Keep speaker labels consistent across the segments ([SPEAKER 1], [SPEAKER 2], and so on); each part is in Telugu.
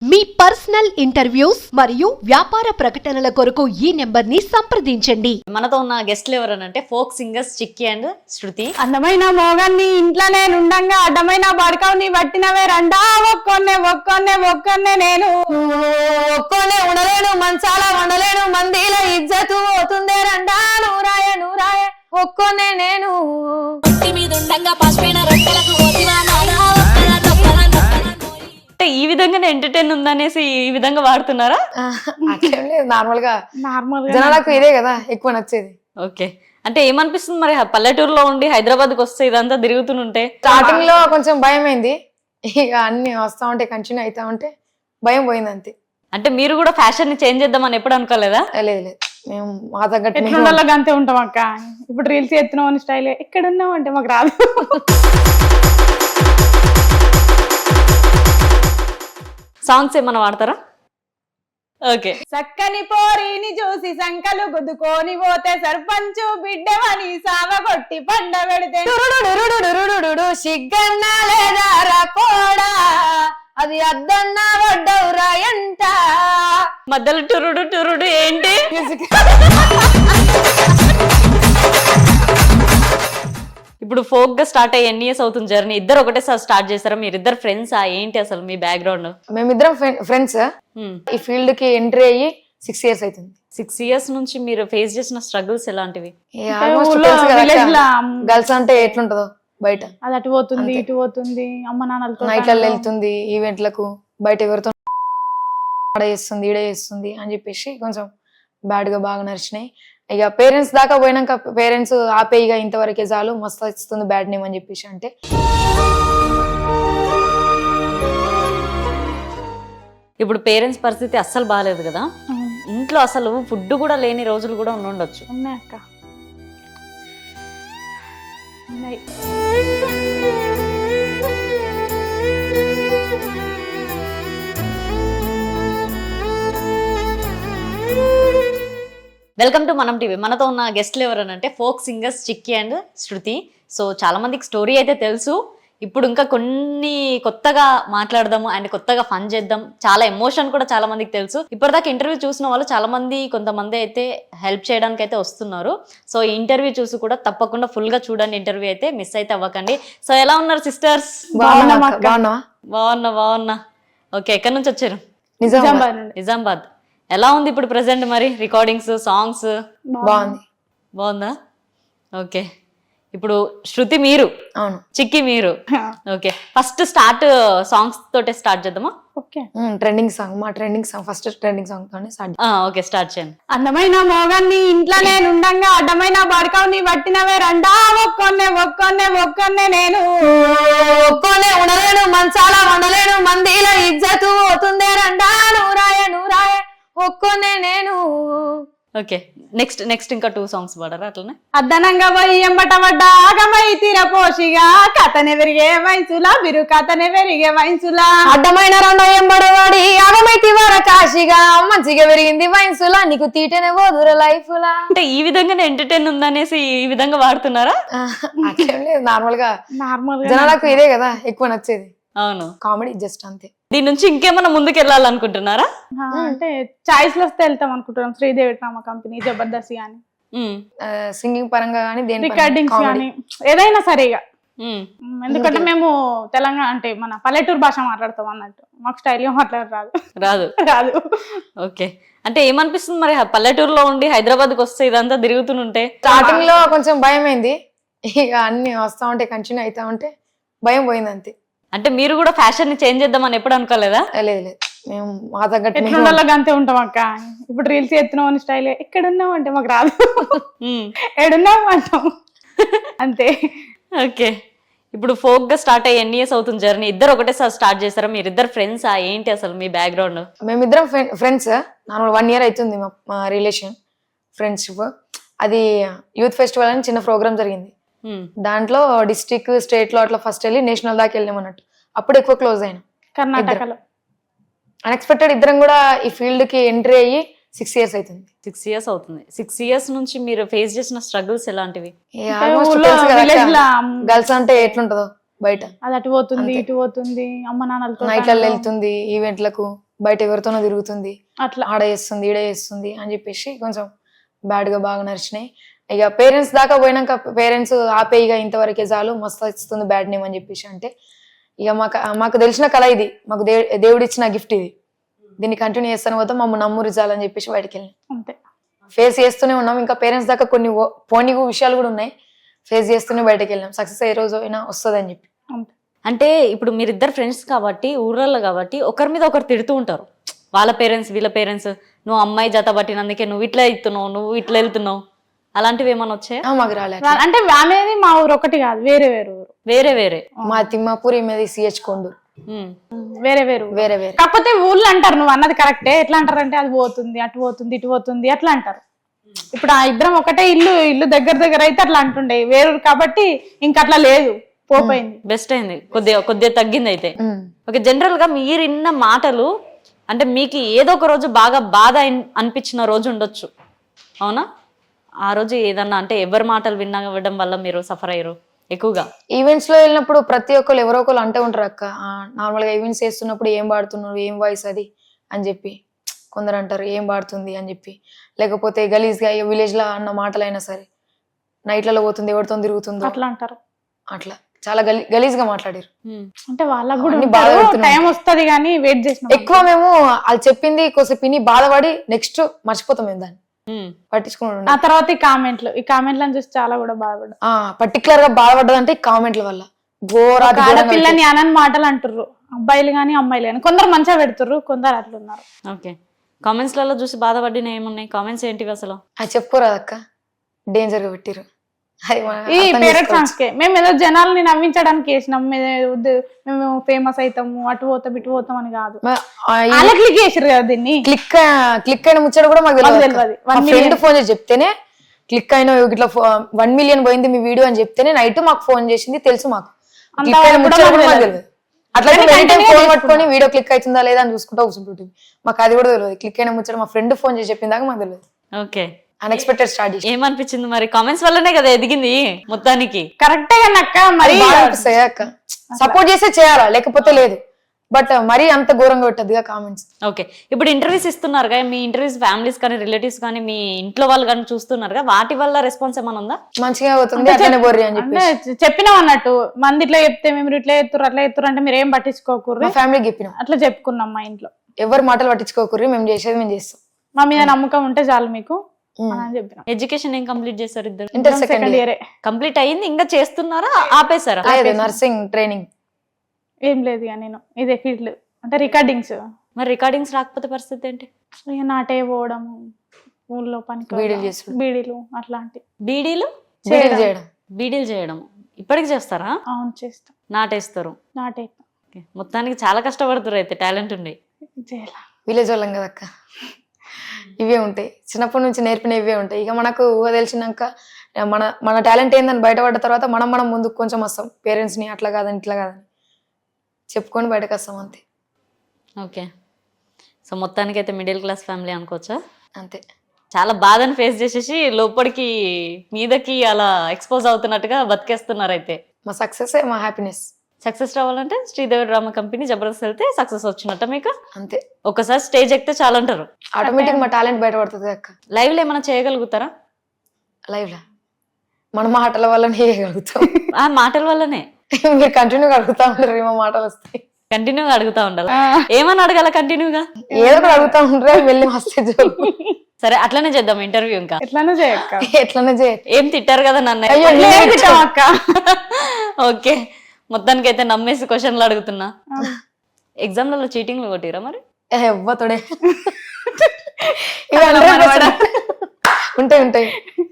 [SPEAKER 1] మీ పర్సనల్ ఇంటర్వ్యూస్ మరియు వ్యాపార ప్రకటనల కొరకు ఈ నెంబర్ ని సంప్రదించండి.
[SPEAKER 2] మనతో ఉన్న గెస్ట్లు ఎవరనంటే folk singers Chikki and Shruti.
[SPEAKER 3] అందమైన మోగాన్ని ఇంట్లోనే నుండంగా అడ్డమైన బడకవుని పట్టినవే రండా ఒక్కొన్నే ఒక్కొన్నే ఒక్కొన్నే నేను ఒక్కొన్నే ఉండలేను మంచాల వండలేను మందిల ఇజ్జతు పోతుందే రండా నూరాయ నూరాయ ఒక్కొన్నే నేను
[SPEAKER 2] అంటే ఈ విధంగానే ఎంటర్టైన్ ఉందనేసి ఈ విధంగా వాడుతున్నారా?
[SPEAKER 4] నార్మల్ గా జనాలకు ఇదే కదా ఎక్కువ నచ్చేది.
[SPEAKER 2] ఓకే, అంటే ఏమనిపిస్తుంది మరి పల్లెటూరులో ఉండి హైదరాబాద్కి వస్తే ఇదంతా తిరుగుతుంటే?
[SPEAKER 4] స్టార్టింగ్ లో కొంచెం భయం అయింది, ఇక అన్ని వస్తా ఉంటే కంటిన్యూ అవుతా ఉంటే భయం పోయింది అంతే.
[SPEAKER 2] అంటే మీరు కూడా ఫ్యాషన్ ని చేంజ్ చేద్దామని ఎప్పుడు అనుకోలేదా?
[SPEAKER 4] లేదు లేదు, మేము మా తగ్గట్టు
[SPEAKER 3] ఎట్లుండాలో అంతే ఉంటాం అక్క. ఇప్పుడు రీల్స్ ఎత్తున్నాం అని స్టైల్ ఎక్కడ ఉన్నాం అంటే మాకు రాదు.
[SPEAKER 2] సాంగ్స్ ఏమన్నా వాడతారా? ఓకే.
[SPEAKER 3] చక్కని పోరిని చూసి సంకలు గుద్దుకొని పోతే సర్పంచు బిడ్డవని సావగొట్టి పండ పెడితే
[SPEAKER 4] సిగ్గన్నా లేదా రాపోడా అది అద్దన్నా వడ్డవురా ఎంట
[SPEAKER 2] మధ్యలో టురుడు టురుడు ఏంటి? ఇప్పుడు ఫోక్ గా స్టార్ట్ అయ్యి ఎన్ని ఇయర్స్ అవుతుంది జర్నీ? ఇద్దరు ఒకటేసారి స్టార్ట్ చేస్తారా? మీరు ఇద్దరు ఫ్రెండ్స్ ఏంటి అసలు మీ బ్యాక్గ్రౌండ్?
[SPEAKER 4] మేమిద్దరం ఫ్రెండ్స్. ఈ ఫీల్డ్ కి ఎంట్రీ అయ్యి 6 years అవుతుంది.
[SPEAKER 2] 6 years నుంచి మీరు ఫేస్ చేసిన స్ట్రగుల్స్ ఎలాంటివి?
[SPEAKER 4] గర్ల్స్ అంటే ఎట్లుంటదో బయట,
[SPEAKER 3] అది అటు పోతుంది ఇటు పోతుంది, అమ్మ నాన్నలతో
[SPEAKER 4] నైట్లలో వెళ్తుంది, ఈవెంట్లకు బయట ఎవరితో ఆడ చేస్తుంది ఈడ చేస్తుంది అని చెప్పేసి కొంచెం బ్యాడ్ గా బాగా నడిచినాయి. ఇక పేరెంట్స్ దాకా పోయినాక పేరెంట్స్ ఆపే ఇక ఇంతవరకే చాలు, మస్తు ఇస్తుంది బ్యాడ్ నేమ్ అని చెప్పేసి అంటే.
[SPEAKER 2] ఇప్పుడు పేరెంట్స్ పరిస్థితి అస్సలు బాగాలేదు కదా, ఇంట్లో అసలు ఫుడ్ కూడా లేని రోజులు కూడా ఉండొచ్చు.
[SPEAKER 3] ఉన్నాయి అక్క, ఉన్నాయి.
[SPEAKER 2] Welcome to Manam TV. మనతో ఉన్న గెస్ట్లు ఎవరనంటే folk singers Chikki and Shruti. So చాలా మందికి స్టోరీ అయితే తెలుసు, ఇప్పుడు ఇంకా కొన్ని కొత్తగా మాట్లాడదాము అండ్ కొత్తగా ఫన్ చేద్దాం. చాలా ఎమోషన్ కూడా చాలా మందికి తెలుసు. ఇప్పటిదాకా ఇంటర్వ్యూ చూసిన వాళ్ళు చాలా మంది, కొంతమంది అయితే హెల్ప్ చేయడానికి అయితే వస్తున్నారు. సో ఈ ఇంటర్వ్యూ చూసి కూడా తప్పకుండా ఫుల్ గా చూడండి, ఇంటర్వ్యూ అయితే మిస్ అయితే అవ్వకండి. సో ఎలా ఉన్నారు సిస్టర్స్? బాగున్నా. ఓకే, ఎక్కడి నుంచి వచ్చారు? నిజామాబాద్. ఎలా ఉంది ఇప్పుడు ప్రెసెంట్ మరి రికార్డింగ్స్, సాంగ్స్? బాగుందా? ఓకే, ఇప్పుడు శృతి మీరు,
[SPEAKER 4] అవును,
[SPEAKER 2] చిక్కి మీరు. ఓకే, ఫస్ట్ స్టార్ట్ సాంగ్స్ తోటే స్టార్ట్ చేద్దామా?
[SPEAKER 4] ఓకే, ట్రెండింగ్ సాంగ్, మా trending song, first trending song తోనే స్టార్ట్.
[SPEAKER 2] ఓకే, స్టార్ట్ చేయండి.
[SPEAKER 3] అందమైన మోగాన్ని ఇంట్లోనే నుండంగా అడ్డమైన బడకవుని పట్టినవే రండా ఒక్కొన్నే ఒక్కొన్నే ఒక్కొన్నే నేను
[SPEAKER 4] ఒక్కొన్నే ఉండలేను మంచాల వండలేను మందిల ఇజ్జతు పోతుందే రండా నూరాయ నూరాయ ఒక్కొన్నే నేను.
[SPEAKER 2] ఓకే, నెక్స్ట్ ఇంకా 2 songs పాడరా అట్లనే?
[SPEAKER 3] అద్దనంగా పోయి ఎంబట పడ్డ ఆగమై తీరపోషిగా కథనే పెరిగే వయసులా బిరు కథనే పెరిగే వయసులా
[SPEAKER 4] అడ్డమైన రెండో ఎంబడవాడి ఆగమైతి వర కాశిగా మంచిగా పెరిగింది వయసులా నీకు తీటనే పోదుర లైఫ్ లా.
[SPEAKER 2] అంటే ఈ విధంగానే ఎంటర్టైన్ ఉందనేసి ఈ విధంగా వాడుతున్నారా?
[SPEAKER 4] నార్మల్ గా జనాలకు ఇదే కదా ఎక్కువ నచ్చేది.
[SPEAKER 2] అవును,
[SPEAKER 4] కామెడీ జస్ట్ అంతే.
[SPEAKER 2] దీని నుంచి ఇంకేమన్నా ముందుకు వెళ్ళాలనుకుంటున్నారా?
[SPEAKER 3] అంటే చాయిస్ లో వస్తే వెళ్తాం అనుకుంటున్నాం. శ్రీదేవి డ్రామా కంపెనీ, జబర్దస్త్ గానీ,
[SPEAKER 4] సింగింగ్ పరంగా కానీ
[SPEAKER 3] రికార్డింగ్స్ కానీ ఏదైనా సరిగా. ఎందుకంటే మేము తెలంగాణ అంటే మన పల్లెటూరు భాష మాట్లాడతాం అన్నట్టు, మాకు స్టైల్ గా మాట్లాడరాదు. రాదు.
[SPEAKER 2] ఓకే, అంటే ఏమనిపిస్తుంది మరి పల్లెటూరులో ఉండి హైదరాబాద్కి వస్తే ఇదంతా తిరుగుతుంటే?
[SPEAKER 4] స్టార్టింగ్ లో కొంచెం భయం అయింది, ఇక అన్ని వస్తా ఉంటే కంటిన్యూ అవుతా ఉంటే భయం పోయింది అంతే.
[SPEAKER 2] అంటే మీరు కూడా ఫ్యాషన్ ని చేంజ్ చేద్దామని ఎప్పుడు అనుకోలేదా?
[SPEAKER 4] లేదు లేదు, మేము మా తగ్గట్టు
[SPEAKER 3] ఎట్లుండాలో అంతే ఉంటాం అక్క. ఇప్పుడు రీల్స్ ఎత్తున్నాం అని స్టైల్ ఎక్కడ ఉన్నాం అంటే మాకు రాదు. ఏడున్నాం అంటాం అంతే.
[SPEAKER 2] ఓకే, ఇప్పుడు ఫోక్ గా స్టార్ట్ అయ్యి ఎన్ని ఇయర్స్ అవుతుంది జర్నీ? ఇద్దరు ఒకటేసారి స్టార్ట్ చేస్తారా? మీరు ఇద్దరు ఫ్రెండ్స్ ఏంటి అసలు మీ బ్యాక్గ్రౌండ్?
[SPEAKER 4] మేమిద్దరం ఫ్రెండ్స్. నార్మల్ 1 year అవుతుంది మా రిలేషన్ ఫ్రెండ్షిప్. అది యూత్ ఫెస్టివల్ అని చిన్న ప్రోగ్రామ్ జరిగింది, దాంట్లో డిస్ట్రిక్ట్ స్టేట్ లో అట్లా ఫస్ట్ వెళ్ళి నేషనల్ దాకా వెళ్ళాం అన్నట్టు. అప్పుడు ఎక్కువ క్లోజ్ అయినా
[SPEAKER 3] కర్ణాటకలో.
[SPEAKER 4] అన్ఎక్స్పెక్టెడ్ ఇద్దరం కూడా ఈ ఫీల్డ్ కి ఎంట్రీ అయ్యి 6 years అవుతుంది.
[SPEAKER 2] 6 years అవుతుంది. 6 years నుంచి మీరు ఫేస్ చేసిన స్ట్రగుల్స్ ఎలాంటివి?
[SPEAKER 4] గర్ల్స్ అంటే ఎట్లుంటదో బయట,
[SPEAKER 3] అది అటు పోతుంది ఇటు పోతుంది, అమ్మ నాన్నలతో
[SPEAKER 4] నైట్లలో వెళ్తుంది, ఈవెంట్లకు బయట ఎవరితోనో తిరుగుతుంది,
[SPEAKER 3] అట్లా
[SPEAKER 4] ఆడ చేస్తుంది ఈడ చేస్తుంది అని చెప్పేసి కొంచెం బ్యాడ్ గా బాగా నడిచినాయి. ఇక పేరెంట్స్ దాకా పోయినాక పేరెంట్స్ ఆపే ఇక ఇంతవరకే చాలు, మస్తు ఇస్తుంది బ్యాడ్ నేమ్ అని చెప్పేసి అంటే ఇక మాకు తెలిసిన కళ ఇది, మాకు దేవుడు ఇచ్చిన గిఫ్ట్ ఇది, దీన్ని కంటిన్యూ చేస్తాను పోతే మమ్మల్ని నమ్మురు చాలని చెప్పేసి బయటకు వెళ్ళినాం.
[SPEAKER 3] అంతే.
[SPEAKER 4] ఫేస్ చేస్తూనే ఉన్నాం, ఇంకా పేరెంట్స్ దాకా కొన్ని పోనీ విషయాలు కూడా ఉన్నాయి, ఫేస్ చేస్తూనే బయటకు వెళ్ళాం. సక్సెస్ ఏ రోజు అయినా వస్తుంది అని చెప్పి.
[SPEAKER 3] అంతే.
[SPEAKER 2] అంటే ఇప్పుడు మీరిద్దరు ఫ్రెండ్స్ కాబట్టి ఊర్లలో కాబట్టి ఒకరి మీద ఒకరు తిడుతూ ఉంటారు, వాళ్ళ పేరెంట్స్ వీళ్ళ పేరెంట్స్, నువ్వు అమ్మాయి జత పట్టినందుకే నువ్వు ఇట్లా ఇస్తున్నావు, నువ్వు ఇట్లా వెళ్తున్నావు, అలాంటివి ఏమైనా వచ్చాయా?
[SPEAKER 4] మాకు రాలేదు.
[SPEAKER 3] అంటే అనేది మా ఊరు ఒకటి కాదు, వేరే వేరే ఊరు.
[SPEAKER 2] వేరే వేరే
[SPEAKER 4] మా తిమ్మాపూర్ మీద సిహెచ్ కొండు
[SPEAKER 3] వేరే వేరు
[SPEAKER 4] వేరే వేరే.
[SPEAKER 3] కాకపోతే ఊళ్ళో అంటారు, నువ్వు అన్నది కరెక్టే. ఎట్లా అంటారంటే అది పోతుంది, అటు పోతుంది, ఇటు పోతుంది అట్లా అంటారు. ఇప్పుడు ఆ ఇద్దరం ఒకటే ఇల్లు దగ్గర దగ్గర అయితే అట్లా అంటుండే, వేరు కాబట్టి ఇంక అట్లా లేదు, పోపోయింది.
[SPEAKER 2] బెస్ట్ అయింది, కొద్దిగా తగ్గింది అయితే. ఓకే, జనరల్ గా మీరు విన్న మాటలు అంటే మీకు ఏదో ఒక రోజు బాగా బాధ అనిపించిన రోజు ఉండొచ్చు, అవునా? ఆ రోజు ఏదన్నా అంటే ఎవరి మాటలు వినడం వల్ల మీరు సఫర్ అయ్యారు ఎక్కువగా?
[SPEAKER 4] ఈవెంట్స్ లో వెళ్ళినప్పుడు ప్రతి ఒక్కరు ఎవరో ఒకరు అంటూ ఉంటారు అక్క, నార్మల్ గా ఈవెంట్స్ చేస్తున్నప్పుడు ఏం పాడుతున్నారు, ఏం వాయిస్ అది అని చెప్పి కొందరు అంటారు, ఏం పాడుతుంది అని చెప్పి. లేకపోతే గలీజ్ గా విలేజ్ లో అన్న మాటలైనా సరే, నైట్లలో పోతుంది, ఎవరితో తిరుగుతుందో
[SPEAKER 3] అట్లా అంటారు.
[SPEAKER 4] అట్లా చాలా గలీజ్ గా మాట్లాడారు.
[SPEAKER 3] అంటే వాళ్ళకు కూడా
[SPEAKER 4] అన్ని బాధ పెడుతున్నాయి.
[SPEAKER 3] టైం వస్తుంది కానీ వెయిట్ చేసిన
[SPEAKER 4] ఎక్కువ మేము వాళ్ళు చెప్పింది కొంచెం విని బాధపడి నెక్స్ట్ మర్చిపోతాం మేము దాన్ని పట్టించుకున్నాడు.
[SPEAKER 3] ఆ తర్వాత ఈ కామెంట్లను చూసి చాలా కూడా బాధపడ్డా.
[SPEAKER 4] పర్టికులర్ గా బాధపడ్డదంటే ఈ కామెంట్ల వల్ల
[SPEAKER 3] ఆడపిల్లని అనని మాటలు అంటుర్రు, అబ్బాయిలు గాని అమ్మాయిలు గాని. కొందరు మంచిగా పెడుతుర్రు, కొందరు అట్లున్నారు.
[SPEAKER 2] ఓకే, కామెంట్స్ లలో చూసి బాధపడిన ఏమున్నాయి? కామెంట్స్ ఏంటివి అసలు?
[SPEAKER 4] అది చెప్పుకోరాదు అక్క, డేంజర్ గా పెట్టిరు.
[SPEAKER 3] ఈ పేరెంట్ సాంగ్స్ కే మేము ఏదో జనాల్ని నవ్వించడానికి వేసినాం, మేము ఫేమస్ అవుతాము, అటు పోతాం ఇటు పోతాం అని కాదు. అలా క్లిక్ చేసారు కదా దీన్ని.
[SPEAKER 4] క్లిక్ అయిన ముచ్చట కూడా మాకు తెలియదు.
[SPEAKER 3] మాకు
[SPEAKER 4] ఫ్రెండ్ ఫోన్ చేసి చెప్తేనే క్లిక్ అయిన ఇట్లా 1 మిలియన్ పోయింది మీ వీడియో అని చెప్తేనే నైట్ మాకు ఫోన్ చేసింది, తెలుసు మాకు. క్లిక్ అయిన ముచ్చట కూడా మాకు తెలియదు. అట్లా ఫోన్ పట్టుకొని వీడియో క్లిక్ అవుతుందా లేదా అని చూసుకుంటా కూర్చుంటుంది. మాకు అది కూడా తెలియదు. క్లిక్ అయిన ముచ్చట మా ఫ్రెండ్ ఫోన్ చేసి చెప్పిన దాకా మాకు తెలియదు.
[SPEAKER 2] ఓకే,
[SPEAKER 4] అన్ఎక్స్పెక్టెడ్ స్టార్ట్ చేసి.
[SPEAKER 2] ఏమనిపించింది మరి? కామెంట్స్ వల్లనే కదా ఎదిగింది మొత్తానికి.
[SPEAKER 3] కరెక్టే కానీ అక్క, మరి
[SPEAKER 4] అనిపిస్తాయి అక్క, సపోర్ట్ చేసే చేయాలా, లేకపోతే లేదు. బట్ మరీ అంత ఘోరంగా పెట్టద్దుగా కామెంట్స్.
[SPEAKER 2] ఓకే, ఇప్పుడు ఇంటర్వ్యూస్ ఇస్తున్నారుగా, మీ ఇంటర్వ్యూస్ ఫ్యామిలీస్ కానీ రిలేటివ్స్ కానీ మీ ఇంట్లో వాళ్ళు కానీ చూస్తున్నారుగా, వాటి వల్ల రెస్పాన్స్ ఏమైనా ఉందా?
[SPEAKER 4] మంచిగా అవుతుంది, అట్లనే బొర్రి అని చెప్పి
[SPEAKER 3] చెప్పినాం అన్నట్టు. మంది ఇట్లా చెప్తే మేము ఇట్లా ఎత్తురు అట్లా ఎత్తురు అంటే మీరు ఏం పట్టించుకోకూర్రి,
[SPEAKER 4] ఫ్యామిలీకి చెప్పినాం.
[SPEAKER 3] అట్లా చెప్పుకున్నాం మా ఇంట్లో.
[SPEAKER 4] ఎవరు మాటలు పట్టించుకోకూర్రి, మేము చేసేది మేము చేస్తాం,
[SPEAKER 3] మా మీద నమ్మకం ఉంటే చాలు మీకు అని చెప్పినాం.
[SPEAKER 2] ఎడ్యుకేషన్ ఏం కంప్లీట్ చేశారు ఇద్దరు?
[SPEAKER 4] ఇంటర్ సెకండ్ ఇయర్
[SPEAKER 2] కంప్లీట్ అయ్యింది, ఇంకా చేస్తున్నారా ఆపేశారా?
[SPEAKER 4] నర్సింగ్ ట్రైనింగ్
[SPEAKER 3] ఏం లేదు ఇక నేను ఇదే ఫీల్డ్ అంటే రికార్డింగ్స్.
[SPEAKER 2] మరి రికార్డింగ్స్ రాకపోతే పరిస్థితి ఏంటి?
[SPEAKER 3] ఇక నాటే పోవడం, ఊళ్ళో పనికి బీడీలు అట్లాంటి.
[SPEAKER 2] బీడీలు
[SPEAKER 4] చేయడం,
[SPEAKER 2] బీడీలు చేయడం ఇప్పటికి చేస్తారా?
[SPEAKER 3] అవును చేస్తాం.
[SPEAKER 2] నాటేస్తారు?
[SPEAKER 3] నాటేస్తాం.
[SPEAKER 2] మొత్తానికి చాలా కష్టపడుతారు అయితే, టాలెంట్ ఉండి.
[SPEAKER 4] విలేజ్ వాళ్ళం కదక్క, ఇవే ఉంటాయి, చిన్నప్పటి నుంచి నేర్పిన ఇవే ఉంటాయి. ఇక మనకు ఊహ తెలిసినాక మన టాలెంట్ ఏందని బయటపడ్డ తర్వాత మనం ముందుకు కొంచెం వస్తాం. పేరెంట్స్ ని అట్లా కాదని ఇట్లా కాదని చెప్పుకొని బయటకు వస్తాం, అంతే.
[SPEAKER 2] ఓకే, సో మొత్తానికి అయితే మిడిల్ క్లాస్ ఫ్యామిలీ అనుకోవచ్చా?
[SPEAKER 4] అంతే.
[SPEAKER 2] చాలా బాధను ఫేస్ చేసేసి లోపలికి మీదకి అలా ఎక్స్పోజ్ అవుతున్నట్టుగా బతికేస్తున్నారు అయితే.
[SPEAKER 4] మా సక్సెస్ మా హ్యాపీనెస్.
[SPEAKER 2] సక్సెస్ రావాలంటే శ్రీదేవి డ్రామా కంపెనీ జబర్దస్త్ వెళ్తే సక్సెస్ వచ్చినట్ట మీకు?
[SPEAKER 4] అంతే.
[SPEAKER 2] ఒకసారి స్టేజ్ ఎక్కితే చాలా అంటారు,
[SPEAKER 4] ఆటోమేటిక్ మా టాలెంట్ బయటపడుతుంది అక్క.
[SPEAKER 2] లైవ్ లో ఏమైనా చేయగలుగుతారా?
[SPEAKER 4] లైవ్ లా మన మాటల వల్లనే చేయగలుగుతాం.
[SPEAKER 2] ఆ మాటల వల్లనే
[SPEAKER 4] మీరు కంటిన్యూగా అడుగుతా ఉంటారు, మా మాటలు వస్తాయి.
[SPEAKER 2] కంటిన్యూగా అడుగుతా ఉండాలి. ఏమని అడగాల కంటిన్యూగా?
[SPEAKER 4] ఏదో ఒకటి అడుగుతా ఉంటారు, వెళ్ళి వస్తే.
[SPEAKER 2] సరే అట్లనే చేద్దాం ఇంటర్వ్యూ. ఇంకా
[SPEAKER 3] ఎట్లనే చేయక్క,
[SPEAKER 4] ఎట్లనే చేయ.
[SPEAKER 2] ఏం తిట్టారు కదా నన్ను? ఓకే, మొత్తానికి అయితే నమ్మేసి క్వశ్చన్లు అడుగుతున్నా. ఎగ్జామ్లలో చీటింగ్లు కొట్టిరా మరి?
[SPEAKER 4] ఎవ్వతోడే ఉంటాయి.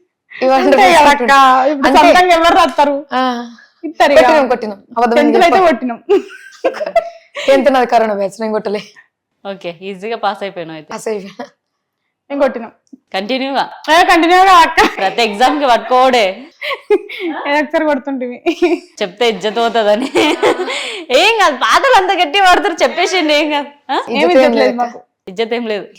[SPEAKER 3] ఎవరు రాస్తారు?
[SPEAKER 4] కొట్టినాం,
[SPEAKER 3] కొట్టినాం.
[SPEAKER 4] ఎంత నాది కరోనా బ్యాచ్, నేను కొట్టలే.
[SPEAKER 2] ఓకే, ఈజీగా పాస్ అయిపోయినావు అయితే.
[SPEAKER 4] పాస్ అయిపోయినా.
[SPEAKER 3] నేను కొట్టినాం
[SPEAKER 2] కంటిన్యూగా
[SPEAKER 3] అక్క.
[SPEAKER 2] ప్రతి ఎగ్జామ్ కి పట్టుకోడే
[SPEAKER 3] ఒకసారి కొడుతుంటివి,
[SPEAKER 2] చెప్తే ఇజ్జత్ పోతుందని. ఏం కాదు, పాతలు అంత గట్టి పడతారు, చెప్పేసిండి. ఏం కాదు, ఇజ్జత్ ఏం లేదు.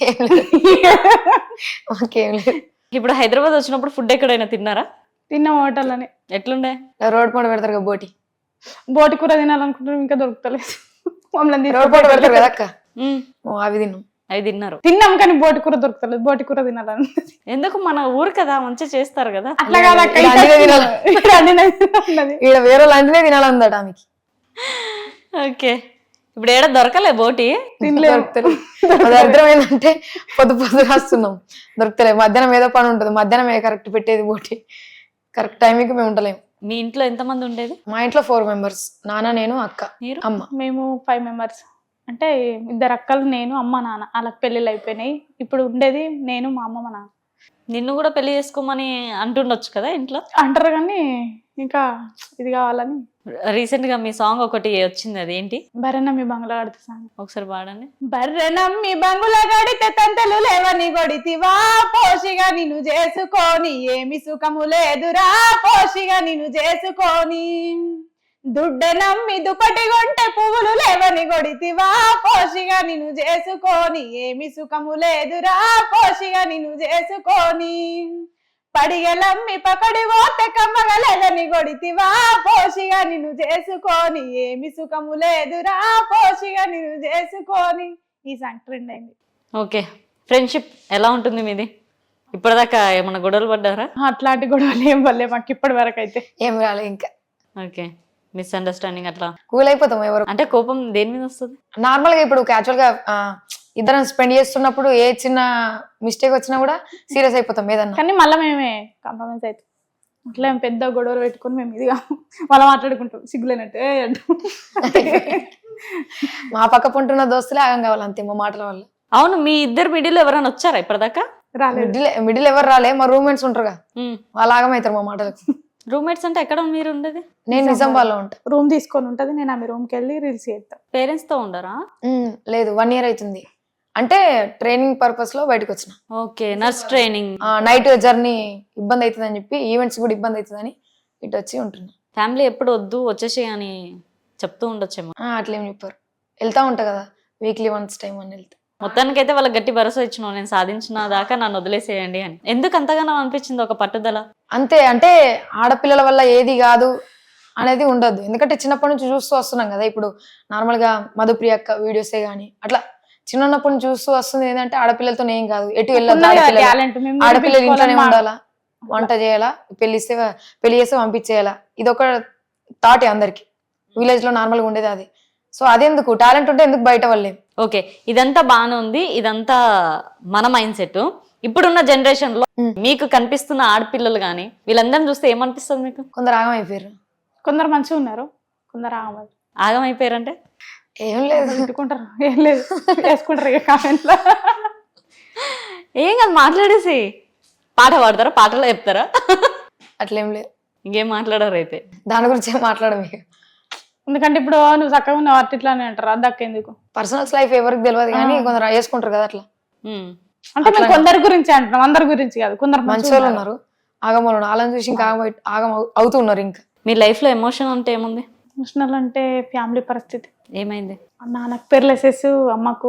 [SPEAKER 2] ఇప్పుడు హైదరాబాద్ వచ్చినప్పుడు ఫుడ్ ఎక్కడైనా తిన్నారా?
[SPEAKER 3] తిన్నాం, హోటల్ అని.
[SPEAKER 2] ఎట్లుండే?
[SPEAKER 4] రోడ్ పండు పెడతారు, బోటి
[SPEAKER 3] కూర తినాలనుకుంటున్నాం, ఇంకా దొరుకుతలేదు.
[SPEAKER 4] రోడ్ పండు పెడతారు కదా అక్క, అవి తిన్నాం.
[SPEAKER 2] అవి తిన్నారు.
[SPEAKER 3] తిన్నాం కానీ బోటి కూర దొరుకుతలేదు, బోటి కూర తినాలని.
[SPEAKER 2] ఎందుకు మన ఊరు కదా మంచిగా చేస్తారు కదా.
[SPEAKER 3] అట్లా కాదు అక్క,
[SPEAKER 4] ఈడ అన్నినే తినాలి.
[SPEAKER 3] అన్నది.
[SPEAKER 4] ఈడ వేరే లాంటినే తినాలందట ఆమెకి.
[SPEAKER 2] ఓకే, ఇప్పుడు ఏడ దొరకలే బోటి.
[SPEAKER 4] దొరుకుతలేదు. అది అర్థం ఏంటంటే పొద్దు రాస్తున్నాం, దొరుకుతలేదు. మధ్యాహ్నం ఏదో పని ఉంటుంది, మధ్యాహ్నం కరెక్ట్ పెట్టేది బోటి, కరెక్ట్ టైంకి మేము ఉండలేము.
[SPEAKER 2] మీ ఇంట్లో ఎంతమంది ఉండేది?
[SPEAKER 4] మా ఇంట్లో 4 members, నాన్న, నేను, అక్క,
[SPEAKER 2] మీరు?
[SPEAKER 4] అమ్మ.
[SPEAKER 3] మేము 5 members. అంటే 2 అక్కలు, నేను, అమ్మ, నాన్న. వాళ్ళకి పెళ్ళిళ్ళు అయిపోయినాయి. ఇప్పుడు ఉండేది నేను, మా అమ్మ, మా నాన్న.
[SPEAKER 2] నిన్ను కూడా పెళ్లి చేసుకోమని అంటుండొచ్చు కదా ఇంట్లో.
[SPEAKER 3] అంటారు కానీ ఇంకా ఇది కావాలని.
[SPEAKER 2] రీసెంట్ గా మీ సాంగ్ ఒకటి వచ్చింది, అది ఏంటి?
[SPEAKER 3] బర్రెనమ్మి బంగ్లా కడితే సాంగ్
[SPEAKER 2] ఒకసారి పాడండి.
[SPEAKER 3] బర్రెనమ్మి బంగుల గడితే తంతలు లేవని గొడితివా, పోషిగా నిన్ను చేసుకొని ఏమి సుఖము లేదురా, పోషిగా నిన్ను చేసుకొని. దుడ్డెనమ్మి దుప్పటి గొంటె పువ్వులు లేవని గొడితివా, పోషిగా నిన్ను చేసుకొని ఏమి సుఖము లేదురా, పోషిగా నిన్ను చేసుకొని. పడిగలమ్మి పకడి పోతే కమ్మగలేదని గొడితివా, పోషిగా నిన్ను చేసుకొని ఏమి సుఖము లేదురా, పోషిగా నిన్ను చేసుకొని. ఈ సాంగ్ ట్రెండ్ అయింది.
[SPEAKER 2] ఓకే, ఫ్రెండ్షిప్ ఎలా ఉంటుంది మీది? ఇప్పటిదాకా ఏమన్నా గొడవలు పడ్డారా?
[SPEAKER 3] అట్లాంటి గొడవలు ఏం వల్లే మాకు ఇప్పటి వరకు అయితే.
[SPEAKER 4] ఏం రాలే ఇంకా.
[SPEAKER 2] ఓకే, మిస్అండర్స్టాండింగ్ అట్లా
[SPEAKER 4] కూల్ అయిపోతాం ఎవరు.
[SPEAKER 2] అంటే కోపం దేని మీద వస్తుంది?
[SPEAKER 4] నార్మల్ గా ఇప్పుడు క్యాజువల్ గా ఇద్దరం స్పెండ్ చేస్తున్నప్పుడు ఏ చిన్న మిస్టేక్ వచ్చినా కూడా సీరియస్ అయిపోతాం ఏదన్నా.
[SPEAKER 3] కానీ మళ్ళీ మేమే కాంప్రమైజ్ అవుతాం. అట్లా ఏం పెద్ద గొడవలు పెట్టుకొని మేము ఇదిగా మళ్ళీ మాట్లాడుకుంటాం సిగ్గులేనట్టే అంటూ.
[SPEAKER 4] మా పక్క పుంటున్న దోస్తులే ఆగం కావాలి అంతే మా మాటల వల్ల.
[SPEAKER 2] అవును, మీ ఇద్దరు మిడిల్ ఎవరైనా వచ్చారా ఇప్పటిదాకా?
[SPEAKER 3] రాలేదు.
[SPEAKER 4] మిడిల్ ఎవరు రాలే, మా రూమ్మేట్స్ ఉంటారుగా వాళ్ళు ఆగమవుతారు మా మాటలకు.
[SPEAKER 2] రూమ్మేట్స్ అంటే ఎక్కడ మీరు ఉండేది?
[SPEAKER 4] నేను నిజామాబాద్లో ఉంటా.
[SPEAKER 3] రూమ్ తీసుకొని ఉంటది, నేను ఆమె రూమ్కి వెళ్ళి రీల్స్ చేస్తాను.
[SPEAKER 2] పేరెంట్స్ తో ఉండరా?
[SPEAKER 4] లేదు, 1 year అవుతుంది. అంటే ట్రైనింగ్ పర్పస్ లో బయటకు వచ్చిన.
[SPEAKER 2] Okay, nurse training.
[SPEAKER 4] Night journey ఇబ్బంది అవుతుంది అని చెప్పి, ఈవెంట్స్ కూడా ఇబ్బంది అవుతుందని ఇటు వచ్చి ఉంటున్నా.
[SPEAKER 2] ఫ్యామిలీ ఎప్పుడు వద్దు వచ్చేసి అని చెప్తూ ఉండొచ్చేమో.
[SPEAKER 4] అట్లేం చెప్పారు, వెళ్తా ఉంటా కదా వీక్లీ వన్స్ టైం అని వెళ్తా.
[SPEAKER 2] మొత్తానికైతే వాళ్ళకి గట్టి భరోసా ఇచ్చినావు, నేను సాధించిన దాకా నన్ను వదిలేసేయండి అని. ఎందుకు అంతగానో అనిపించింది ఒక పట్టుదల?
[SPEAKER 4] అంతే, అంటే ఆడపిల్లల వల్ల ఏది కాదు అనేది ఉండదు. ఎందుకంటే చిన్నప్పటి నుంచి చూస్తూ వస్తున్నాం కదా. ఇప్పుడు నార్మల్ గా మధుప్రియ అక్క వీడియోసే గానీ అట్లా చిన్నప్పటి నుంచి చూస్తూ వస్తుంది. ఏంటంటే ఆడపిల్లలతో ఏం కాదు, ఎటు వెళ్ళదు, ఆడపిల్లలు ఇంట్లోనే ఉండాలా, వంట చేయాలా, పెళ్లి చేస్తే పంపించేయాలా, ఇది ఒక థాట్ అందరికి. విలేజ్ లో నార్మల్ గా ఉండేది అది. సో అదెందుకు, టాలెంట్ ఉంటే ఎందుకు బయట వాళ్ళేం.
[SPEAKER 2] ఓకే, ఇదంతా బాగానే ఉంది, ఇదంతా మన మైండ్ సెట్. ఇప్పుడున్న జనరేషన్ లో మీకు కనిపిస్తున్న ఆడపిల్లలు గానీ వీళ్ళందరిని చూస్తే ఏమనిపిస్తుంది మీకు?
[SPEAKER 4] కొందరు ఆగం అయిపోయారు,
[SPEAKER 3] కొందరు మంచిగా ఉన్నారు, కొందరు ఆగం.
[SPEAKER 2] ఆగం అయిపోయారంటే
[SPEAKER 4] ఏం లేదు,
[SPEAKER 3] తిట్టుకుంటారు, ఏం లేదు వేసుకుంటారు ఇక కామెంట్ లో.
[SPEAKER 2] ఏం కాదు, మాట్లాడేసి పాట పాడతారా, పాటలో చెప్తారా?
[SPEAKER 4] అట్లేం లేదు.
[SPEAKER 2] ఇంకేం మాట్లాడారు అయితే?
[SPEAKER 4] దాని గురించి ఏం మాట్లాడము.
[SPEAKER 3] ఎందుకంటే ఇప్పుడు నువ్వు చక్కగా ఉన్నావు అట్లా ఇట్లానే అంటారు, అద్దక్క ఎందుకు?
[SPEAKER 4] పర్సనల్స్ లైఫ్ ఎవరికి తెలియదు కానీ కొందరు వేసుకుంటారు కదా అట్లా.
[SPEAKER 3] అంటే మేము కొందరి గురించి అంటున్నాం, అందరి గురించి కాదు. కొందరు
[SPEAKER 4] మంచి వాళ్ళు ఉన్నారు, ఆగమలు ఉన్నారు, వాళ్ళని చూసి ఇంకా ఆగం అవుతున్నారు. ఇంకా
[SPEAKER 2] మీ లైఫ్ లో ఎమోషన్ అంటే ఏముంది?
[SPEAKER 3] ఎమోషనల్ అంటే ఫ్యామిలీ పరిస్థితి.
[SPEAKER 2] ఏమైంది?
[SPEAKER 3] నాన్నకు పెర్లెసెస్, అమ్మకు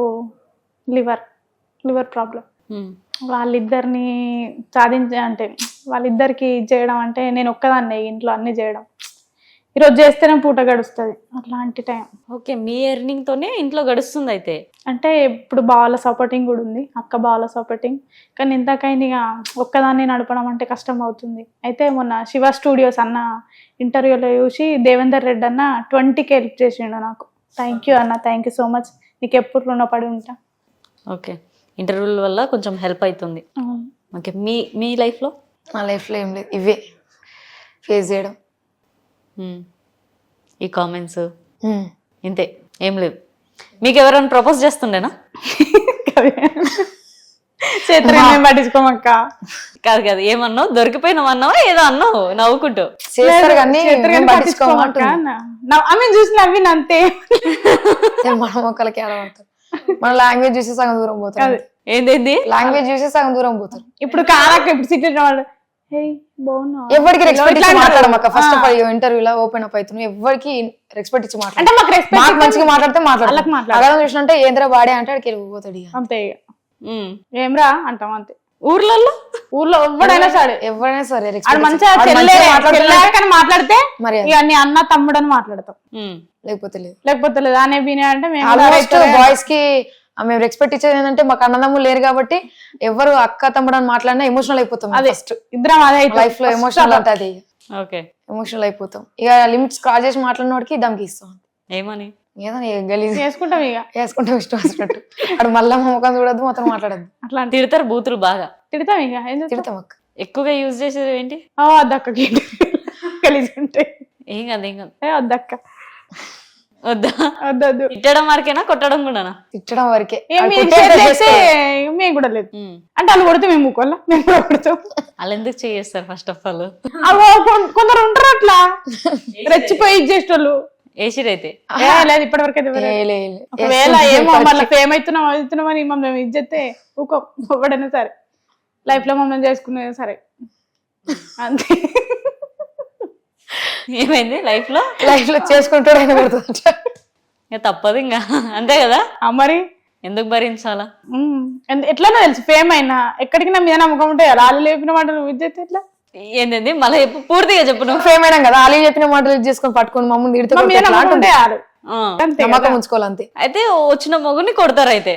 [SPEAKER 3] లివర్ ప్రాబ్లం. వాళ్ళిద్దరిని అంటే వాళ్ళిద్దరికి చేయడం అంటే నేను ఒక్కదాన్నే ఇంట్లో అన్ని చేయడం. ఈరోజు చేస్తేనే పూట గడుస్తుంది, అట్లాంటి టైం.
[SPEAKER 2] ఓకే, మీ ఎర్నింగ్ తోనే ఇంట్లో గడుస్తుంది అయితే.
[SPEAKER 3] అంటే ఇప్పుడు బావల సపోర్టింగ్ కూడా ఉంది, అక్క బావల సపోర్టింగ్. కానీ ఇంతకైనా ఇక ఒక్కదాన్ని నడపడం అంటే కష్టం అవుతుంది. అయితే మొన్న శివ స్టూడియోస్ అన్న ఇంటర్వ్యూలో చూసి దేవేందర్ రెడ్డి అన్న 20K హెల్ప్ చేసిండు నాకు. థ్యాంక్ యూ అన్న, థ్యాంక్ యూ సో మచ్, నీకు ఎప్పుడు రుణపడి ఉంటా.
[SPEAKER 2] ఓకే, ఇంటర్వ్యూల వల్ల కొంచెం హెల్ప్ అవుతుంది. ఓకే, మీ లైఫ్లో?
[SPEAKER 4] మా లైఫ్లో ఏం లేదు, ఇవే ఫేస్ చేయడం,
[SPEAKER 2] ఈ కామెంట్స్, ఇంతే, ఏం లేదు. మీకు ఎవరైనా ప్రపోజ్ చేస్తుండేనా?
[SPEAKER 3] పట్టించుకోమక్క.
[SPEAKER 2] కాదు కాదు, ఏమన్నావు? దొరికిపోయినామన్నావా ఏదో అన్నావు నవ్వుకుంటూ?
[SPEAKER 4] చేస్తారు కానీ
[SPEAKER 3] ఆమె చూసి నవ్విన అంతే.
[SPEAKER 4] మన మొక్కలకి ఆడబడతారు, మన లాంగ్వేజ్ చూసి సగం దూరం పోతారు.
[SPEAKER 2] ఏంది
[SPEAKER 4] లాంగ్వేజ్ చూసి సగం దూరం పోతారు.
[SPEAKER 3] ఇప్పుడు కారాక ఇప్పుడు సిటీ వాళ్ళు
[SPEAKER 4] ఎవరికి రెస్పెక్ట్ ఇచ్చి మాట్లాడమాక. ఫస్ట్ ఆఫ్ ఆల్ ఇంటర్వ్యూలో ఓపెన్ అప్ అవుతున్నావు, ఎవరికి రెస్పెక్ట్ ఇచ్చి మాట్లాడు. మాకు మంచిగా మాట్లాడితే మాట్లాడతాం. చూసినంటే ఏంద్రా వాడే అంటే అక్కడికి వెళ్ళిపోతాడు.
[SPEAKER 3] అంతే, ఏమ్రా అంటాం అంతే. ఊర్లో ఎవడైనా సరే
[SPEAKER 4] ఎవరైనా సరే
[SPEAKER 3] ఆడు మంచిగా చెల్లాకని మాట్లాడితే
[SPEAKER 4] మరి
[SPEAKER 3] ఇక నీ అన్న తమ్ముడు అని మాట్లాడతాం,
[SPEAKER 4] లేకపోతే లేదు.
[SPEAKER 3] లేకపోతే లేదు అనే బినే అంటే మేము
[SPEAKER 4] ఆల్మోస్ట్ బాయ్స్ కి మేము రెస్పెక్ట్ ఇచ్చేది ఏంటంటే మాకు అన్నదమ్ములు లేరు కాబట్టి ఎవరు అక్క తమ్ముడు అని మాట్లాడినా ఎమోషనల్ అయిపోతాం. ఫస్ట్
[SPEAKER 3] ఇద్దరం అదే
[SPEAKER 4] లైఫ్ లో ఎమోషనల్ అంటే అది
[SPEAKER 2] ఓకే
[SPEAKER 4] ఎమోషనల్ అయిపోతాం. ఇక లిమిట్స్ క్రాస్ చేసి మాట్లాడిన వాడికి దమ్కి ఇస్తాం.
[SPEAKER 2] ఏమని
[SPEAKER 4] ఏదో గలీజ్
[SPEAKER 3] చేసుకుంటాం ఇక
[SPEAKER 4] వేసుకుంటాం ఇష్టం వచ్చినట్టు. అక్కడ మళ్ళా ముఖం చూడద్దు, మొత్తం మాట్లాడద్దు.
[SPEAKER 3] అట్లా
[SPEAKER 2] తిడతారు బూతులు బాగా?
[SPEAKER 3] తిడతాం ఇక
[SPEAKER 4] తిడతాం అక్క.
[SPEAKER 2] ఎక్కువగా యూజ్ చేసేది ఏంటి?
[SPEAKER 3] వద్దక్కకి కలిసి ఉంటే
[SPEAKER 2] ఏం కాదు ఏం కాదు.
[SPEAKER 3] వద్దక్క
[SPEAKER 2] వద్దా?
[SPEAKER 3] వద్దొద్దు.
[SPEAKER 2] తిట్టడం వరకేనా కొట్టడం కూడానా?
[SPEAKER 4] తిట్టడం వరకే.
[SPEAKER 3] మేము కూడా లేదు అంటే వాళ్ళు కొడితే మేము ఊకోవాలా, మేము కూడా కొడతాం.
[SPEAKER 2] వాళ్ళు ఎందుకు చేస్తారు ఫస్ట్ ఆఫ్ ఆల్?
[SPEAKER 3] కొందరు ఉంటారు అట్లా రెచ్చిపోయి ఇచ్చేటోళ్ళు.
[SPEAKER 2] ఏసిరైతే
[SPEAKER 3] లేదు ఇప్పటి వరకు అయితే. ఒకవేళ ఏమో మళ్ళీ ఫేమ్ అవుతున్నామని మమ్మల్ని ఇచ్చేస్తే ఊకో ఎవడైనా సరే, లైఫ్ లో మమ్మల్ని చేసుకునే సరే అంతే.
[SPEAKER 2] ఏమైంది లైఫ్ లో
[SPEAKER 4] చేసుకుంటాడు ఆయన కొడుతుంది.
[SPEAKER 2] ఇంకా తప్పదు ఇంకా అంతే కదా.
[SPEAKER 3] మరి
[SPEAKER 2] ఎందుకు భరించాలా?
[SPEAKER 3] ఎట్లానో తెలుసు ఫేమ్ అయినా ఎక్కడికి నా మీద నమ్మకం ఉంటే వాళ్ళు లేపిన మాట నువ్వు ఇచ్చేస్తే ఎట్లా?
[SPEAKER 2] ఏంటండి మళ్ళీ పూర్తిగా చెప్పు. నువ్వు
[SPEAKER 4] ఫేమ్ అయినా కదా వాళ్ళు చెప్పిన మాటలు చేసుకొని పట్టుకొని మమ్మల్ని నమ్మకం ఉంచుకోవాలి అంతే.
[SPEAKER 2] అయితే వచ్చిన మొగుని కొడతారు. అయితే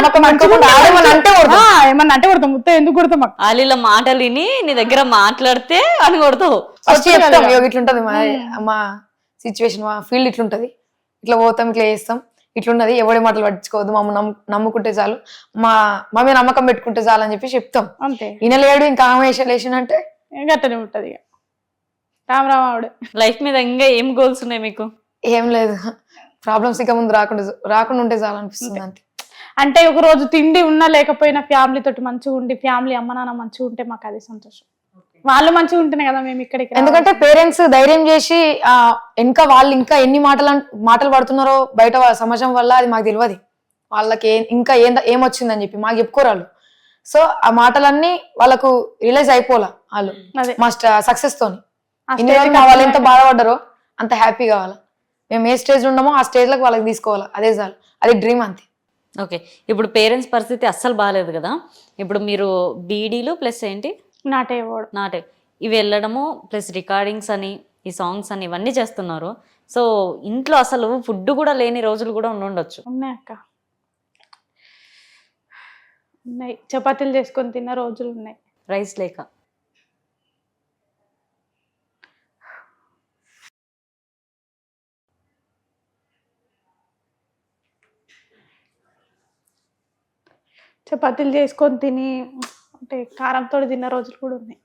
[SPEAKER 3] ఏమన్నా అంటే కొడతాం. ముత్త ఎందుకు కొడతాం?
[SPEAKER 2] వాళ్ళ మాటలు విని నీ దగ్గర మాట్లాడితే అని కొడతావు.
[SPEAKER 4] ఫస్ట్ చెప్తాం ఇట్లుంటది మా సిచ్యువేషన్, మా ఫీల్డ్ ఇట్లుంటది, ఇట్లా పోతాం, ఇట్లా చేస్తాం, ఇట్లున్నది, ఎవడి మాటలు పట్టించుకోవద్దు, మమ్మల్ని నమ్ముకుంటే చాలు, మా మీద నమ్మకం పెట్టుకుంటే చాలు అని చెప్పి చెప్తాం.
[SPEAKER 3] అంతే.
[SPEAKER 4] ఈయనలేడు ఇంకా లేచినంటే
[SPEAKER 3] గట్టనే ఉంటది. ఇక రామరామావుడు
[SPEAKER 2] లైఫ్ మీద ఇంకా ఏం గోల్స్ ఉన్నాయి మీకు?
[SPEAKER 4] ఏం లేదు, ప్రాబ్లమ్స్ ఇక ముందు రాకుండా ఉంటే చాలు అనిపిస్తుంది అంతే.
[SPEAKER 3] అంటే ఒక రోజు తిండి ఉన్నా లేకపోయినా ఫ్యామిలీ తోటి మంచిగా ఉండి ఫ్యామిలీ అమ్మ నాన్న మంచిగా ఉంటే మాకు అదే సంతోషం. వాళ్ళు మంచిగా ఉంటేనే కదా మేము ఇక్కడికి.
[SPEAKER 4] ఎందుకంటే పేరెంట్స్ ధైర్యం చేసి ఇంకా వాళ్ళు ఇంకా ఎన్ని మాటలు పడుతున్నారో బయట సమాజం వల్ల అది మాకు తెలియదు. వాళ్ళకి ఇంకా ఏమొచ్చిందని చెప్పి మాకు చెప్పుకోరాళ్ళు. సో ఆ మాటలన్నీ వాళ్ళకు రియలైజ్ అయిపోలా వాళ్ళు మా సక్సెస్ తోని. ఇన్ని రోజులు వాళ్ళు ఎంత బాధపడ్డారో అంత హ్యాపీ కావాలా. మేము ఏ స్టేజ్ ఉన్నామో ఆ స్టేజ్ లకు వాళ్ళకి తీసుకోవాలా, అదే చాలు, అది డ్రీమ్ అంతే.
[SPEAKER 2] ఓకే, ఇప్పుడు పేరెంట్స్ పరిస్థితి అస్సలు బాగాలేదు కదా. ఇప్పుడు మీరు బీడీలు ప్లస్ ఏంటి
[SPEAKER 3] నాటే
[SPEAKER 2] ఇవి వెళ్ళడము ప్లస్ రికార్డింగ్స్ అని ఈ సాంగ్స్ అని ఇవన్నీ చేస్తున్నారు. సో ఇంట్లో అసలు ఫుడ్ కూడా లేని రోజులు కూడా ఉండొచ్చు.
[SPEAKER 3] ఉన్నాయి అక్క, ఉన్నాయి. చపాతీలు చేసుకొని తిన్న రోజులు ఉన్నాయి,
[SPEAKER 2] రైస్ లేక.
[SPEAKER 3] చపాతీలు చేసుకొని తిని అంటే కారంతో తిన్న రోజులు కూడా ఉన్నాయి.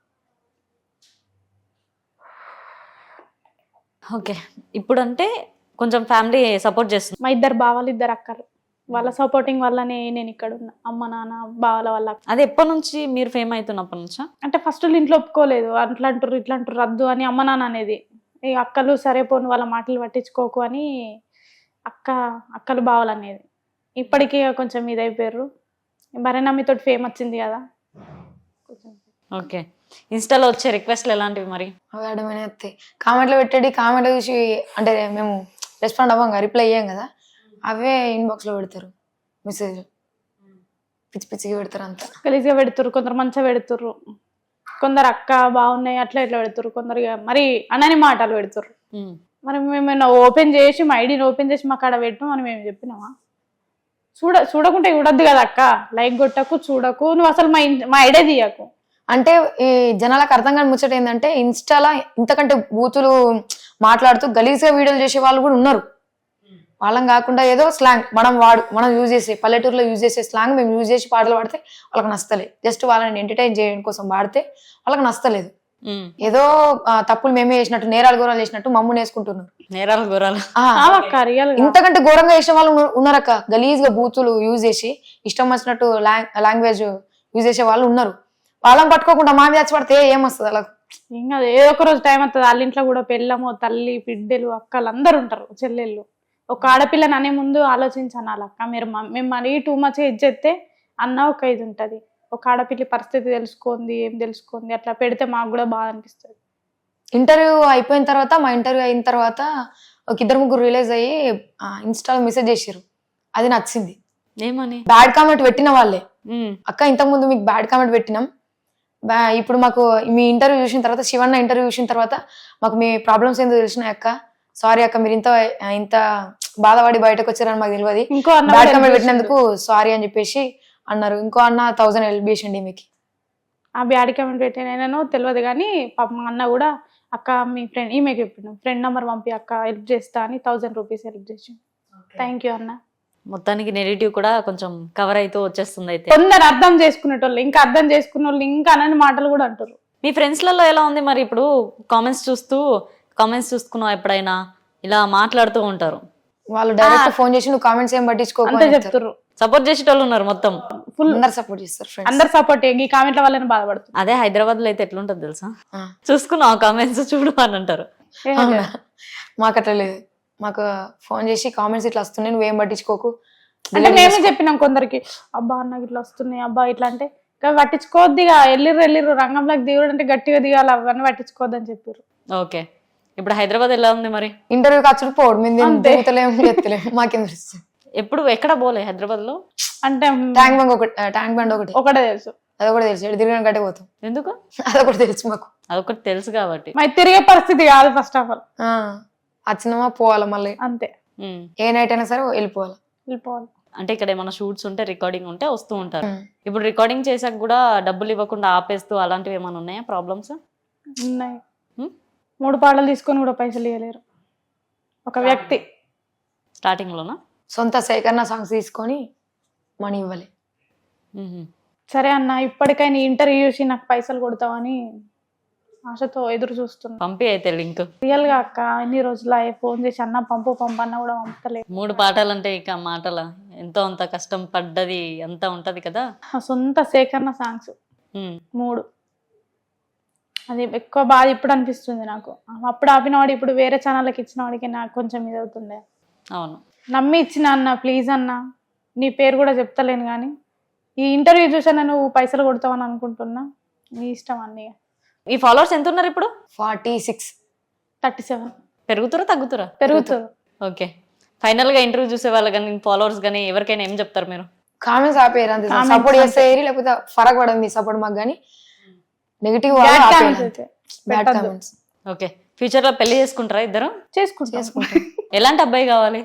[SPEAKER 2] ఓకే, ఇప్పుడు అంటే కొంచెం ఫ్యామిలీ సపోర్ట్ చేస్తుంది.
[SPEAKER 3] మా ఇద్దరు బావాలు, ఇద్దరు అక్కలు, వాళ్ళ సపోర్టింగ్ వల్లనే నేను ఇక్కడ ఉన్నా. అమ్మ నాన్న బావల వల్ల.
[SPEAKER 2] అది ఎప్పటి నుంచి మీరు ఫేమ్ అవుతున్నప్పటి నుంచా?
[SPEAKER 3] అంటే ఫస్ట్ ఇంట్లో ఒప్పుకోలేదు, అట్లా అంటారు ఇట్లా అంటారు రద్దు అని అమ్మ నాన్న అనేది. ఈ అక్కలు సరే పోను వాళ్ళ మాటలు పట్టించుకోకు అని అక్కలు బావలు అనేది. ఇప్పటికీ కొంచెం ఇదైపోయారు. భరణమ్మితో ఫేమ్ వచ్చింది కదా.
[SPEAKER 2] ఓకే, ఇన్స్టాలో వచ్చే రిక్వెస్ట్లు ఎలాంటివి మరి?
[SPEAKER 4] అవి అడమైన కామెంట్లో పెట్టేది, కామెంట్లో చూసి అంటే మేము రెస్పాండ్ అవ్వం కదా, రిప్లై అయ్యాం కదా, అవే ఇన్బాక్స్ లో పెడతారు మెసేజ్, పిచ్చి పిచ్చిగా పెడతారు, అంతా
[SPEAKER 3] గలీజ్గా పెడుతురు. కొందరు మంచిగా పెడుతుర్రు, కొందరు అక్క బాగున్నాయి అట్లా ఇట్లా పెడుతురు, కొందరు మరి అనని మాటలు పెడుతుర్రు. మరి మేము ఓపెన్ చేసి మా ఐడిని ఓపెన్ చేసి మాకు ఆడ పెట్టాం అని మేము చెప్పినామా? చూడకుంటే చూడద్దు కదా అక్క, లైక్ కొట్టకు, చూడకు, నువ్వు అసలు మా ఐడియా తీయకు
[SPEAKER 4] అంటే. ఈ జనాలకు అర్థం కాని ముచ్చట ఏంటంటే ఇన్స్టాలో ఇంతకంటే బూతులు మాట్లాడుతూ గలీజ్గా వీడియోలు చేసే వాళ్ళు కూడా ఉన్నారు. వాళ్ళని కాకుండా ఏదో స్లాంగ్ మనం యూజ్ చేసే పల్లెటూరులో యూజ్ చేసే స్లాంగ్ మేము యూజ్ చేసి పాటలు పాడితే వాళ్ళకి నచ్చలేదు. జస్ట్ వాళ్ళని ఎంటర్టైన్ చేయడం కోసం పాడితే వాళ్ళకి నచ్చలేదు. ఏదో తప్పులు మేమే చేసినట్టు, నేరాలు ఘోరాలు చేసినట్టు మమ్మల్ని వేసుకుంటున్నారు.
[SPEAKER 2] నేరాలు ఘోరాలు
[SPEAKER 4] ఇంతకంటే ఘోరంగా చేసిన వాళ్ళు ఉన్నారక్క. గలీజ్గా బూతులు యూజ్ చేసి ఇష్టం వచ్చినట్టు లాంగ్వేజ్ యూజ్ చేసే వాళ్ళు ఉన్నారు. వాళ్ళని పట్టుకోకుండా మా మీద పడితే ఏమొస్తుంది అలా?
[SPEAKER 3] ఇంకా ఏదో ఒక రోజు టైం వస్తుంది. వాళ్ళ ఇంట్లో కూడా పెళ్ళము, తల్లి, బిడ్డలు, అక్కలు అందరు ఉంటారు, చెల్లెళ్ళు. ఒక ఆడపిల్లని అనే ముందు ఆలోచించాను వాళ్ళక్క. మేము మరీ టూ మచ్ ఇచ్చేస్తే అన్న ఒక ఇది ఉంటుంది. ఒక ఆడపిల్లి పరిస్థితి తెలుసుకుంది, ఏం తెలుసుకుంది, అట్లా పెడితే మాకు కూడా బాధ అనిపిస్తుంది.
[SPEAKER 4] ఇంటర్వ్యూ అయిపోయిన తర్వాత, మా ఇంటర్వ్యూ అయిన తర్వాత ఒక ఇద్దరు ముగ్గురు రిలీజ్ అయ్యి ఇన్స్టాలో మెసేజ్ చేసారు. అది నచ్చింది.
[SPEAKER 2] ఏమని?
[SPEAKER 4] బ్యాడ్ కామెంట్ పెట్టిన వాళ్ళే అక్క ఇంతకు ముందు మీకు బ్యాడ్ కామెంట్ పెట్టినాం, ఇప్పుడు మాకు మీ ఇంటర్వ్యూ చూసిన తర్వాత, శివన్న ఇంటర్వ్యూ చూసిన తర్వాత మాకు మీ ప్రాబ్లమ్స్ ఏందో తెలిసినాయి అక్క, సారీ అక్క మీరు ఇంత బాధపడి బయటకు వచ్చారని మాకు తెలియదు,
[SPEAKER 3] ఇంకో అన్న
[SPEAKER 4] బ్యాడ్ కామెంట్ పెట్టినందుకు సారీ అని చెప్పేసి అన్నారు. ఇంకో అన్న 1000 హెల్ప్ చేసిండి మీకు.
[SPEAKER 3] ఆ బ్యాడ్ కామెంట్ పెట్టినో తెలియదు కానీ పాప మా అన్న కూడా అక్క మీ ఫ్రెండ్ ఈమెకి చెప్పిండు, ఫ్రెండ్ నెంబర్ పంపి అక్క హెల్ప్ చేస్తా అని 1000 రూపీస్ హెల్ప్ చేసి. థ్యాంక్ యూ అన్న.
[SPEAKER 2] మొత్తానికి నెగిటివ్ కూడా కొంచెం కవర్ అయితే వచ్చేస్తుంది. అయితే
[SPEAKER 3] కొందరు అర్థం చేసుకునేటోళ్ళు, ఇంకా అర్థం చేసుకునే వాళ్ళు ఇంకా అనని మాటలు కూడా అంటారు.
[SPEAKER 2] మీ ఫ్రెండ్స్లలో ఎలా ఉంది మరి? ఇప్పుడు కామెంట్స్ చూసుకున్నావు ఎప్పుడైనా ఇలా మాట్లాడుతూ ఉంటారు
[SPEAKER 4] వాళ్ళు, డైరెక్ట్ ఫోన్ చేసి నువ్వు కామెంట్స్ ఏం పట్టించుకోకుండా
[SPEAKER 3] చెప్తారు.
[SPEAKER 2] సపోర్ట్ చేసేటోళ్ళు ఉన్నారు, మొత్తం
[SPEAKER 3] ఫుల్
[SPEAKER 4] అందరు సపోర్ట్ చేస్తారు,
[SPEAKER 3] అందరు సపోర్ట్. ఈ కామెంట్ల వల్లనే బాధపడుతుంది.
[SPEAKER 2] అదే హైదరాబాద్ లో అయితే ఎట్లుంటది తెలుసా, చూసుకున్నావు కామెంట్స్ చూడు అని అంటారు.
[SPEAKER 4] మాకు అట్లా లేదు, మాకు ఫోన్ చేసి కామెంట్స్ ఇట్లా వస్తున్నాయి నువ్వేం పట్టించుకోకు
[SPEAKER 3] అంటే మేమే చెప్పినాం కొందరికి, అబ్బా నాకు ఇట్లా వస్తున్నాయి అబ్బా ఇట్లా అంటే పట్టించుకోవద్దిగా, వెళ్ళిర్రు రంగంలోకి దిగుడు అంటే గట్టిగా దిగాలి, అవన్నీ పట్టించుకోవద్దని చెప్పారు.
[SPEAKER 2] ఓకే, ఇప్పుడు హైదరాబాద్ ఎలా ఉంది మరి?
[SPEAKER 4] ఇంటర్వ్యూ ఖర్చులు పోవడం మేము దిగుతలేము ఎత్తలేము, మాకేం తెలుస్తుంది.
[SPEAKER 2] ఎప్పుడు ఎక్కడ పోలే హైదరాబాద్ లో?
[SPEAKER 3] అంటే
[SPEAKER 4] ట్యాంక్ బండ్
[SPEAKER 3] ఒకటే తెలుసు,
[SPEAKER 4] అదొకటి తెలుసు, తిరిగిన గట్టే పోతాం.
[SPEAKER 2] ఎందుకు?
[SPEAKER 4] అదొకటి తెలుసు మాకు,
[SPEAKER 2] అదొకటి తెలుసు కాబట్టి.
[SPEAKER 3] మరి తిరిగే పరిస్థితి కాదు ఫస్ట్ ఆఫ్ ఆల్,
[SPEAKER 4] వచ్చినామా పోవాలా మళ్ళీ
[SPEAKER 3] అంతే.
[SPEAKER 4] ఏ నైట్ అయినా సరే వెళ్ళిపోవాలి.
[SPEAKER 2] అంటే ఇక్కడ ఏమైనా షూట్స్ ఉంటే రికార్డింగ్ ఉంటే వస్తూ ఉంటారు. ఇప్పుడు రికార్డింగ్ చేసాక కూడా డబ్బులు ఇవ్వకుండా ఆపేస్తూ అలాంటివి ఏమైనా ఉన్నాయా ప్రాబ్లమ్స్?
[SPEAKER 3] ఉన్నాయి. 3 పాటలు తీసుకొని కూడా పైసలు ఇవ్వలేరు ఒక వ్యక్తి.
[SPEAKER 2] స్టార్టింగ్ లోనా?
[SPEAKER 4] సొంత సేకరణ సాంగ్స్ తీసుకొని మనీ ఇవ్వాలి.
[SPEAKER 3] సరే అన్న, ఇప్పటికైనా ఇంటర్వ్యూ చూసి నాకు పైసలు కొడతావని ఆశతో ఎదురు చూస్తున్నా.
[SPEAKER 2] పంపి అయితే లింక్.
[SPEAKER 3] రియల్ గా అక్క ఎన్ని రోజులు ఫోన్ చేసి అన్న పంపు అన్న కూడా పంపలేదు.
[SPEAKER 2] 3 పాటలు అంటే ఇక మాటల ఎంతో అంత కష్టం పడ్డది అంతా ఉంటది కదా.
[SPEAKER 3] సొంత సేకరణ సాంగ్స్ 3, అది ఎక్కువ బాధ ఇప్పుడు అనిపిస్తుంది నాకు. అప్పుడు ఆపినవాడు ఇప్పుడు వేరే ఛానళ్ళకి ఇచ్చిన వాడికి నాకు కొంచెం ఇది అవుతుండే.
[SPEAKER 2] అవును,
[SPEAKER 3] నమ్మి ఇచ్చిన అన్న, ప్లీజ్ అన్న, నీ పేరు కూడా చెప్తలేను కానీ ఈ ఇంటర్వ్యూ చూసాను నువ్వు పైసలు కొడతావని అనుకుంటున్నా, నీ ఇష్టం అన్నీ.
[SPEAKER 2] ఈ ఫాలోవర్స్ ఎంత ఉన్నారు ఇప్పుడు?
[SPEAKER 4] 46,
[SPEAKER 3] 37.
[SPEAKER 2] పెరుగుతారా తగ్గుతారా?
[SPEAKER 3] పెరుగుతారు.
[SPEAKER 2] ఓకే, ఫైనల్ గా ఇంటర్వ్యూ చూసే వాళ్ళు కానీ ఫాలోవర్స్ కానీ ఎవరికైనా ఏం చెప్తారు మీరు?
[SPEAKER 4] కామెంట్స్ ఆపేయరు అంతే, సపోర్ట్ చేస్తే లేకపోతే ఫరక్ పడదు మీ సపోర్ట్ మాకు, కానీ negative bad comments.
[SPEAKER 2] Okay, future లో పెళ్లి చేసుకుంటారా ఇద్దరు?
[SPEAKER 3] చేసుకుంటాం.
[SPEAKER 2] ఎలాంటి అబ్బాయి కావాలి?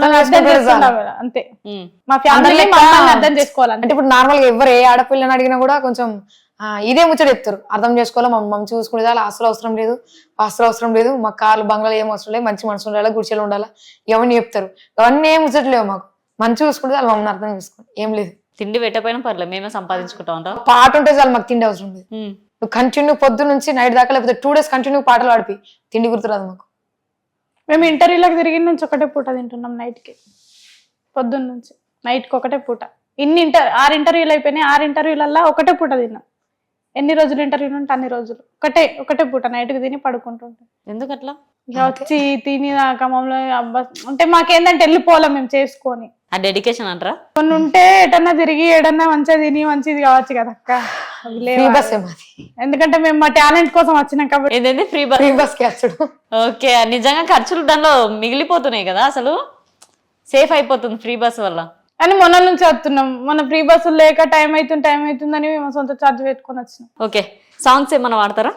[SPEAKER 3] అంతే, మా ఫ్యామిలీ అర్థం చేసుకోవాలి.
[SPEAKER 4] అంటే ఇప్పుడు నార్మల్ గా ఎవరు ఏ ఆడపిల్లని అడిగినా కూడా కొంచెం ఇదే ముచ్చట చెప్తారు, అర్థం చేసుకోవాలి, మమ్మల్ని చూసుకునే చాలా ఆస్తులు అవసరం లేదు, ఆస్తులు అవసరం లేదు, మా కార్లు బంగ్లాలు ఏం అవసరం లేదు, మంచి మనసు ఉండాలి, గుడిచెలు ఉండాలా, ఇవన్నీ చెప్తారు. అవన్నీ ఏం ముచ్చట్లేవు, మాకు మంచి చూసుకుంటే చాలు, మమ్మల్ని అర్థం చేసుకోండి, ఏం లేదు.
[SPEAKER 2] తిండి పెట్టకపోయినా పర్లేదు, మేమే సంపాదించుకుంటా ఉంటాం.
[SPEAKER 4] పాట ఉంటే చాలు, మాకు తిండి అవసరం లేదు. నువ్వు కంటిన్యూ పొద్దు నుంచి నైట్ దాకా లేకపోతే 2 days కంటిన్యూ పాటలు పాడిపి, తిండి గుర్తురాదు మాకు.
[SPEAKER 3] మేము ఇంటర్వ్యూలకు తిరిగి నుంచి ఒకటే పూట తింటున్నాం, నైట్కి, పొద్దున్న నుంచి నైట్కి ఒకటే పూట. 6 ఇంటర్వ్యూలు అయిపోయినాయి, 6 ఇంటర్వ్యూలల్లో ఒకటే పూట తిన్నాం. ఎన్ని రోజులు ఇంటర్వ్యూలు ఉంటే అన్ని రోజులు ఒకటే పూట నైట్కి తిని పడుకుంటుంటాం.
[SPEAKER 2] ఎందుకు అట్లా?
[SPEAKER 3] ఇక వచ్చి తిని క్రమంలో అబ్బా అంటే మాకేందంటే వెళ్ళిపోవాలి మేము చేసుకొని.
[SPEAKER 2] ఆ డెడికేషన్ అంటారా?
[SPEAKER 3] కొన్ని ఉంటే ఎటన్నా తిరిగి ఏడన్నా మంచిగా తిని మంచిది కావచ్చు కదా అక్క. ఎందుకంటే మేము మా టాలెంట్ కోసం వచ్చినాం కాబట్టి.
[SPEAKER 2] ఏదైతే ఫ్రీ బస్ ఓకే, నిజంగా ఖర్చులు దానిలో మిగిలిపోతున్నాయి కదా, అసలు సేఫ్ అయిపోతుంది ఫ్రీ బస్ వల్ల.
[SPEAKER 3] అని మొన్న నుంచి వస్తున్నాం, మన ఫ్రీ బస్సులు లేక టైం అవుతుందని మేము సొంత ఛార్జ్ పెట్టుకొని వచ్చినాం.
[SPEAKER 2] ఓకే, సాంగ్స్ ఏమన్నా వాడతారా?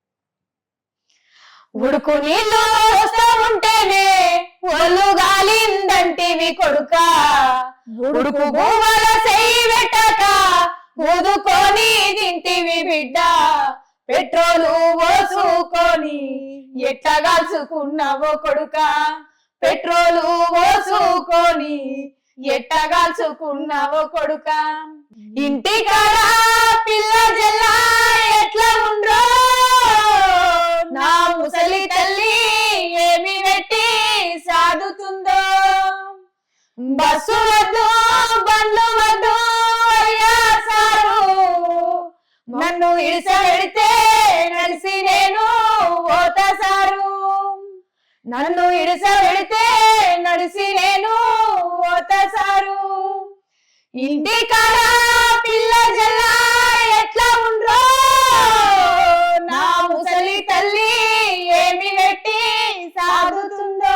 [SPEAKER 3] ఉడుకు నీళ్ళు వస్తా ఉంటేనే ఒళ్ళు గాలిందంటివి కొడుక, ఉడుకు భూమల చెయ్యి పెట్టక ఊదుకొని తింటివి బిడ్డ, పెట్రోలు పోసుకొని ఎట్లా కాల్చుకున్నావో కొడుక, పెట్రోలు పోసుకొని ఎట్లా కాల్చుకున్నావో కొడుక, ఇంటికాడ పిల్ల జల్లా ఎట్లా ఉండ్రో, నా ముసలి తల్లి ఏమి పెట్టి సాదుతుందో, బస్సు వద్దు బండ్లు వద్దు అయ్యా సారు, నన్ను ఇడిసబెడితే నడిసి నేను ఓత సారు, నన్ను ఇడిసబెడితే నడిసి నేను ఓత సారు, ఇంటికాడ పిల్ల జల్లా ఎట్లా ఉండ్రో, నా ముసలి తల్లి ఏమి పెట్టి సాదుతుందో,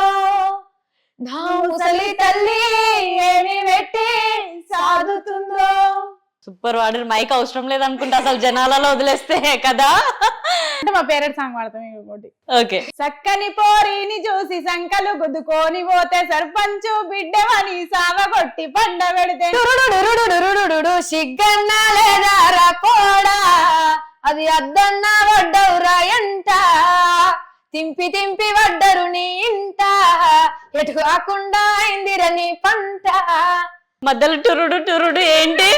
[SPEAKER 3] నా ముసలి తల్లి ఏమి పెట్టి సాదుతుందో.
[SPEAKER 2] సూపర్ వాడు మైక్ అవసరం లేదనుకుంటా అసలు జనాలలో వదిలేస్తే కదా.
[SPEAKER 3] అంటే మా పేరెంట్స్ సాంగ్ పాడతాం ఇంకోటి.
[SPEAKER 2] ఓకే.
[SPEAKER 3] చక్కని పోరిని చూసి సంకలు గుద్దుకొని పోతే సర్పంచు బిడ్డవని సావగొట్టి పండ పెడితే
[SPEAKER 4] సిగ్గన్నా లేదారా పోడా అది అద్దన్నా వడ్డవురా ఎంట తింపి తింపి వడ్డరు నీ ఇంట ఎటు కాకుండా అయిందిరా నీ పంట.
[SPEAKER 2] మధ్యలో టురుడు టురుడు ఏంటి?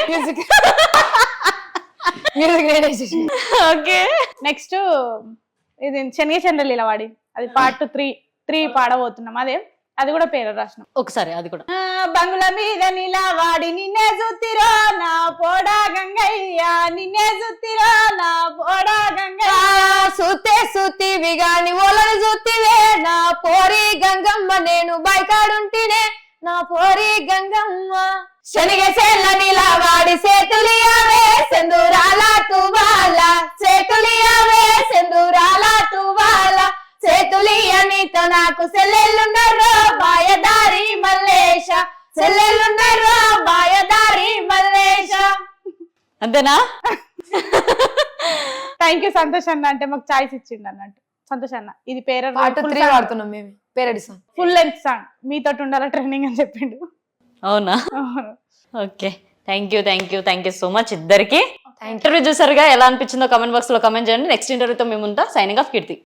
[SPEAKER 2] ఓకే.
[SPEAKER 3] నెక్స్ట్ ఇది శనిగ చంద్రలీల వాడి అది పార్ట్ 3 పాడబోతున్నాం. అది కూడా పేరు రాసిన
[SPEAKER 2] ఒకసారి అది కూడా.
[SPEAKER 3] బంగుల మీద నిలవాడి నిన్నే చూతిరో నా పోడా గంగయ్య నిన్నే చూతిరో నా పోడా గంగయ్య
[SPEAKER 4] సూతే సూతివి గాని ఓలను చూతివే నా పోరి గంగమ్మ నేను బైకాడుంటినే నా పోరి గంగమ్మ. శనిగ చేల నిలవాడి సేతులియావే సెందురాల తువాల చేతులియావే సెందురాల తువాల చేతులియ నీతో నాకు సెల్లెళ్ళుండరో మాయదారి మల్లేశ సెల్లెళ్ళుండరో మాయదారి మల్లేశ.
[SPEAKER 2] అంతేనా?
[SPEAKER 3] థ్యాంక్ యూ సంతోష్ అన్న, అంటే మాకు చాయిస్ ఇచ్చిండు అన్నట్టు. సంతోష్ అన్న ఇది పేరు
[SPEAKER 4] పార్ట్ 3 వాడుతున్నాం మేము parody song
[SPEAKER 3] full length song మీతో ఉండాల ట్రైనింగ్ అని చెప్పిండు.
[SPEAKER 2] అవునా? Okay. Thank you so much ఇద్దరికి. ఇంటర్వ్యూ చూసారుగా, ఎలా అనిపించిందో కామెంట్ బాక్స్ లో కామెంట్ చేయండి. నెక్స్ట్ ఇంటర్వ్యూతో మేము ఉంటా. సైనింగ్ ఆఫ్ కీర్తి.